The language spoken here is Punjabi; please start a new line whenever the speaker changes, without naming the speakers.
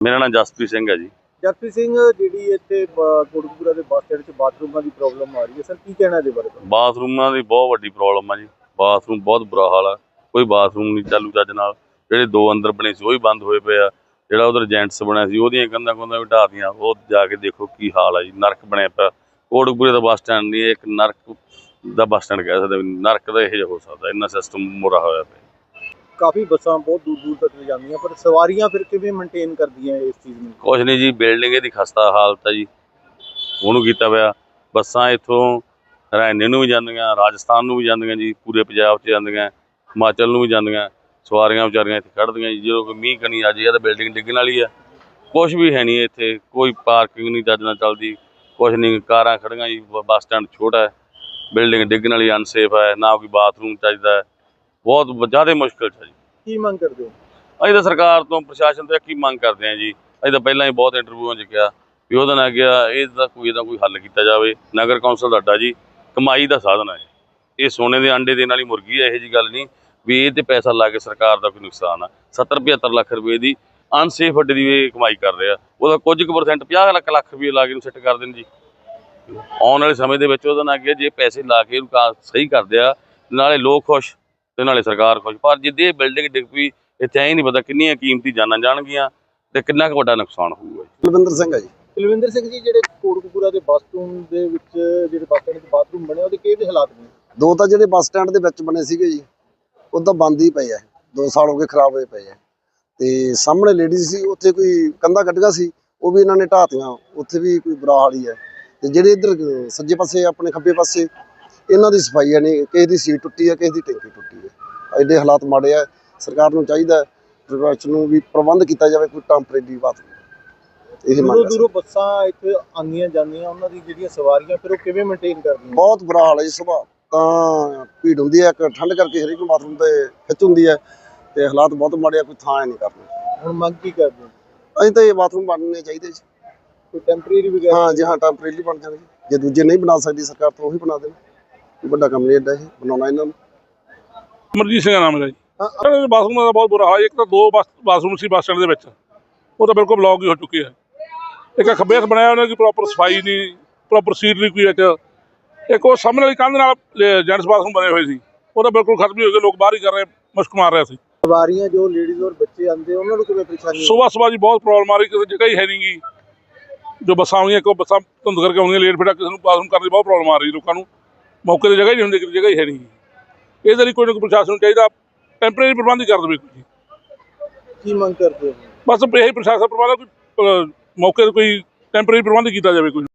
मेरा नाम जसप्रीत सिंह है जी।
जसप्रीत सिंह जी इतने कोटकपूरा के बस स्टैंड बाथरूम की प्रॉब्लम आ रही है, सर की कहना है बारे?
बाथरूमां की बहुत वड्डी प्रॉब्लम है जी। बाथरूम बहुत बुरा हाल है, कोई बाथरूम नहीं चालू चज नाल। ਜਿਹੜੇ दो अंदर बने सी वो बंद होए पे आ। ਜਿਹੜਾ उधर जेंट्स बनया सी ਉਹਦੀਆਂ ਕੰਧਾਂ ਕੁੰਧਾਂ ਵੀ ਢਾਹ ਦਿੱਤੀਆਂ। ਉਹ ਜਾ ਕੇ ਦੇਖੋ ਕੀ ਹਾਲ ਹੈ ਜੀ, ਨਰਕ ਬਣਿਆ ਪਿਆ। ਕੋਟਕਪੂਰੇ ਦਾ ਬੱਸ ਸਟੈਂਡ ਨਹੀਂ, ਇੱਕ ਨਰਕ ਦਾ ਬੱਸ ਸਟੈਂਡ ਕਹਿ ਸਕਦੇ, ਨਰਕ ਦਾ ਇਹੋ ਜਿਹਾ ਹੋ ਸਕਦਾ। ਇੰਨਾ ਸਿਸਟਮ ਬੁਰਾ ਹੋਇਆ ਪਿਆ।
काफ़ी बसा बहुत दूर दूर तक ले जाती पर सवारियां फिर किवें मेनटेन करदियां इस चीज़ में?
कुछ नहीं जी, बिल्डिंग की खस्ता हालत है जी, ਉਹਨੂੰ ਕੀਤਾ ਪਿਆ। ਬੱਸਾਂ ਇੱਥੋਂ ਹਰਿਆਣੇ ਨੂੰ ਵੀ ਜਾਂਦੀਆਂ, ਰਾਜਸਥਾਨ ਨੂੰ ਵੀ ਜਾਂਦੀਆਂ ਜੀ, ਪੂਰੇ ਪੰਜਾਬ 'ਚ ਜਾਂਦੀਆਂ, ਹਿਮਾਚਲ ਨੂੰ ਵੀ ਜਾਂਦੀਆਂ। ਸਵਾਰੀਆਂ ਵਿਚਾਰੀਆਂ ਇੱਥੇ ਖੜ੍ਹਦੀਆਂ ਜੀ। ਜਦੋਂ ਕੋਈ ਮੀਂਹ ਕਣੀ ਆ ਜਾਏ ਤਾਂ ਬਿਲਡਿੰਗ ਡਿੱਗਣ ਵਾਲੀ ਆ। ਕੁਛ ਵੀ ਹੈ ਨਹੀਂ ਇੱਥੇ, ਕੋਈ ਪਾਰਕਿੰਗ ਨਹੀਂ ਚੱਜ ਨਾਲ ਚੱਲਦੀ, ਕੁਛ ਨਹੀਂ। ਕਾਰਾਂ ਖੜ੍ਹੀਆਂ ਜੀ, ਬੱਸ ਸਟੈਂਡ ਛੋਟਾ ਹੈ, ਬਿਲਡਿੰਗ ਡਿੱਗਣ ਵਾਲੀ, ਅਨਸੇਫ ਹੈ, ਨਾ ਕੋਈ ਬਾਥਰੂਮ ਚੱਜਦਾ ਹੈ। ਬਹੁਤ ਜ਼ਿਆਦਾ ਮੁਸ਼ਕਿਲ 'ਚ ਹੈ ਜੀ।
ਕੀ ਮੰਗ ਕਰਦੇ ਹੋ?
ਅਸੀਂ ਤਾਂ ਸਰਕਾਰ ਤੋਂ, ਪ੍ਰਸ਼ਾਸਨ ਤੋਂ ਕੀ ਮੰਗ ਕਰਦੇ ਹਾਂ ਜੀ। ਅਸੀਂ ਤਾਂ ਪਹਿਲਾਂ ਹੀ ਬਹੁਤ ਇੰਟਰਵਿਊਆਂ 'ਚ ਕਿਹਾ ਵੀ ਉਹਦਾ ਨਾ ਗਿਆ, ਇਹਦਾ ਕੋਈ ਹੱਲ ਕੀਤਾ ਜਾਵੇ। ਨਗਰ ਕੌਂਸਲ ਦਾ ਅੱਡਾ ਜੀ ਕਮਾਈ ਦਾ ਸਾਧਨ ਹੈ। ਇਹ ਸੋਨੇ ਦੇ ਆਂਡੇ ਦੇਣ ਵਾਲੀ ਮੁਰਗੀ ਹੈ, ਇਹੋ ਜਿਹੀ ਗੱਲ ਨਹੀਂ ਵੀ ਇਹ 'ਤੇ ਪੈਸਾ ਲਾ ਕੇ ਸਰਕਾਰ ਦਾ ਕੋਈ ਨੁਕਸਾਨ ਆ। 70-75 ਲੱਖ ਰੁਪਏ ਦੀ ਅਨਸੇਫ ਅੱਡੇ ਦੀ ਇਹ ਕਮਾਈ ਕਰ ਰਹੇ ਆ। ਉਹਦਾ ਕੁਝ ਕੁ %, 50 ਲੱਖ ਰੁਪਏ ਲਾ ਕੇ ਇਹਨੂੰ ਸੈੱਟ ਕਰ ਦੇਣ ਜੀ। ਆਉਣ ਵਾਲੇ ਸਮੇਂ ਦੇ ਵਿੱਚ ਉਹਦਾ ਨਾ ਅੱਗੇ ਜੇ ਪੈਸੇ ਲਾ ਕੇ ਇਹਨੂੰ ਸਹੀ ਕਰਦੇ ਆ, ਨਾਲੇ ਲੋਕ ਖੁਸ਼ ਤੇ ਨਾਲੇ ਸਰਕਾਰ ਖੁਸ਼। ਪਰ ਜਿੱਦੇ ਇਹ ਬਿਲਡਿੰਗ ਡਿੱਗ ਪਈ, ਇੱਥੇ ਐਂ ਨਹੀਂ ਪਤਾ ਕਿੰਨੀਆਂ ਕੀਮਤੀ ਜਾਨਾਂ ਜਾਣਗੀਆਂ ਤੇ ਕਿੰਨਾ ਕੁ ਵੱਡਾ ਨੁਕਸਾਨ ਹੋਊਗਾ।
ਕੁਲਵਿੰਦਰ ਸਿੰਘ ਹੈ ਜੀ। ਕੁਲਵਿੰਦਰ ਸਿੰਘ ਜੀ, ਜਿਹੜੇ ਕੋਟਕਪੂਰਾ ਦੇ ਬਾਥਰੂਮ ਦੇ ਵਿੱਚ ਜਿਹੜੇ ਬੱਸ ਸਟੈਂਡ ਦੇ ਬਾਥਰੂਮ ਬਣੇ ਉਹਦੇ ਕਿਹੜੇ ਹਾਲਾਤ ਨੇ?
ਦੋ ਤਾਂ ਜਿਹੜੇ ਬੱਸ ਸਟੈਂਡ ਦੇ ਵਿੱਚ ਬਣੇ ਸੀਗੇ ਜੀ, ਉਹ ਤਾਂ ਬੰਦ ਹੀ ਪਏ ਆ, 2 ਸਾਲ ਹੋ ਗਏ ਖਰਾਬ ਹੋਏ ਪਏ ਆ। ਤੇ ਸਾਹਮਣੇ ਲੇਡੀਜ਼ ਸੀ, ਉੱਥੇ ਕੋਈ ਕੰਧਾਂ ਕੱਢੀਆਂ ਸੀ, ਉਹ ਵੀ ਇਹਨਾਂ ਨੇ ਢਾਹਤੀਆਂ, ਉੱਥੇ ਵੀ ਕੋਈ ਬੁਰਾ ਹਾਲ ਹੀ ਹੈ। ਤੇ ਜਿਹੜੇ ਇੱਧਰ ਸੱਜੇ ਪਾਸੇ ਆਪਣੇ ਖੱਬੇ ਪਾਸੇ ਇਹਨਾਂ ਦੀ ਸਫਾਈ ਨਹੀਂ, ਕਿਸੇ ਦੀ ਸੀਟ ਟੁੱਟੀ ਹੈ, ਕਿਸੇ ਦੀ ਟੈਂਕੀ ਟੁੱਟੀ ਹੈ। ਐਡੇ ਹਾਲਾਤ ਮਾੜੇ ਆ। ਸਰਕਾਰ ਨੂੰ ਚਾਹੀਦਾ ਪ੍ਰਸ਼ਾਸਨ ਨੂੰ ਵੀ ਪ੍ਰਬੰਧ ਕੀਤਾ ਜਾਵੇ ਕੋਈ ਟੈਂਪਰੇਰੀ ਬਾਤ।
ਦੂਰੋਂ ਬੱਸਾਂ ਇੱਥੇ ਆਉਂਦੀਆਂ ਜਾਂਦੀਆਂ, ਉਹਨਾਂ ਦੀ ਜਿਹੜੀਆਂ ਸਵਾਰੀਆਂ ਫਿਰ ਉਹ ਕਿਵੇਂ ਮੇਨਟੇਨ ਕਰਦੀਆਂ?
ਬਹੁਤ ਬੁਰਾ ਹਾਲ ਹੈ ਜੀ। ਸੁਬਾਹ ਤਾਂ ਭੀੜ ਹੁੰਦੀ ਹੈ, ਇੱਕ ਠੰਡ ਕਰਕੇ ਹਰੇਕ ਬਾਥਰੂਮ ਤੇ ਖਿੱਚ ਹੁੰਦੀ ਹੈ ਤੇ ਹਾਲਾਤ ਬਹੁਤ ਮਾੜੇ ਆ, ਕੋਈ ਥਾਂ ਨਹੀਂ ਕਰਨਾ।
ਹੁਣ ਮੰਗ ਕੀ ਕਰਦੇ ਹੋ?
ਅਸੀਂ ਤਾਂ ਇਹ ਬਾਥਰੂਮ ਬਣਨੇ ਚਾਹੀਦੇ ਜੀ,
ਕੋਈ ਟੈਂਪਰੇਰੀ ਵਗੈਰਾ?
ਹਾਂ ਜੀ, ਹਾਂ, ਟੈਂਪਰੇਰੀ ਬਣ ਜਾਣਗੇ। ਜੇ ਦੂਜੇ ਨਹੀਂ ਬਣਾ ਸਕਦੀ ਸਰਕਾਰ ਤਾਂ ਉਹੀ ਬਣਾ ਦੇਣ। ਵੱਡਾ ਕੰਮ ਨਹੀਂ ਐਡਾ ਇਹ ਬਣਾਉਣਾ ਇਹਨਾਂ ਨੂੰ।
ਅਮਰਜੀਤ ਸਿੰਘ ਦਾ ਨਾਮ ਹੈ ਜੀ। ਬਾਥਰੂਮ ਦਾ ਬਹੁਤ ਬੁਰਾ ਹਾਲ। ਇੱਕ ਤਾਂ 2 ਬਾਥਰੂਮ ਸੀ ਬੱਸ ਸਟੈਂਡ ਦੇ ਵਿੱਚ, ਉਹ ਤਾਂ ਬਿਲਕੁਲ ਬਲੌਕ ਹੀ ਹੋ ਚੁੱਕੇ ਹੈ। ਇੱਕ ਖੱਬੇ ਹੱਥ ਬਣਾਇਆ ਉਹਨਾਂ ਦੀ ਪ੍ਰੋਪਰ ਸਫਾਈ ਨਹੀਂ, ਪ੍ਰੋਪਰ ਸੀਟ ਨਹੀਂ ਕੋਈ। ਇੱਕ ਉਹ ਸਾਹਮਣੇ ਵਾਲੀ ਕੰਧ ਨਾਲ ਜੈਂਟਸ ਬਾਥਰੂਮ ਬਣੇ ਹੋਏ ਸੀ, ਉਹ ਤਾਂ ਬਿਲਕੁਲ ਖਤਮ ਹੀ ਹੋ ਗਏ। ਲੋਕ ਬਾਹਰ ਹੀ ਕਰ ਰਹੇ, ਮੁਸ਼ਕ ਮਾਰ ਰਿਹਾ ਸੀ।
ਸਵਾਰੀਆਂ ਜੋ ਲੇਡੀਜ਼ ਔਰ ਬੱਚੇ ਆਉਂਦੇ ਉਹਨਾਂ ਨੂੰ ਕਿਵੇਂ ਪਰੇਸ਼ਾਨੀ?
ਸੁਬਾਹ ਜੀ ਬਹੁਤ ਪ੍ਰੋਬਲਮ ਆ ਰਹੀ, ਕਿਸੇ ਜਗ੍ਹਾ ਹੀ ਹੈ ਨਹੀਂ ਗੀ। ਜੋ ਬੱਸਾਂ ਆਉਂਦੀਆਂ, ਇੱਕ ਬੱਸਾਂ ਧੁੰਦ ਕਰਕੇ ਆਉਂਦੀਆਂ ਲੇਟ ਫੇਟਾ, ਕਿਸੇ ਨੂੰ ਬਾਥਰੂਮ ਕਰਨ ਦੀ ਬਹੁਤ ਪ੍ਰੋਬਲਮ ਆ ਰਹੀ। ਲੋਕਾਂ ਨੂੰ ਮੌਕੇ 'ਤੇ ਜਗ੍ਹਾ ਹੀ ਨਹੀਂ ਹੁੰਦੀ, ਕਿਸੇ ਜਗ੍ਹਾ ਹੀ ਹੈ ਨਹੀਂ। ਇਹਦੇ ਲਈ ਕੋਈ ਨਾ ਕੋਈ ਪ੍ਰਸ਼ਾਸਨ ਨੂੰ ਚਾਹੀਦਾ ਟੈਂਪਰੇਰੀ ਪ੍ਰਬੰਧ ਹੀ ਕਰ ਦੇਵੇ ਕੋਈ।
ਕੀ ਮੰਗ ਕਰਦੇ ਹੋ?
ਬਸ ਇਹੀ ਪ੍ਰਸ਼ਾਸਨ ਪ੍ਰਬੰਧ, ਕੋਈ ਮੌਕੇ 'ਤੇ ਕੋਈ ਟੈਂਪਰੇਰੀ ਪ੍ਰਬੰਧ ਕੀਤਾ ਜਾਵੇ ਕੋਈ।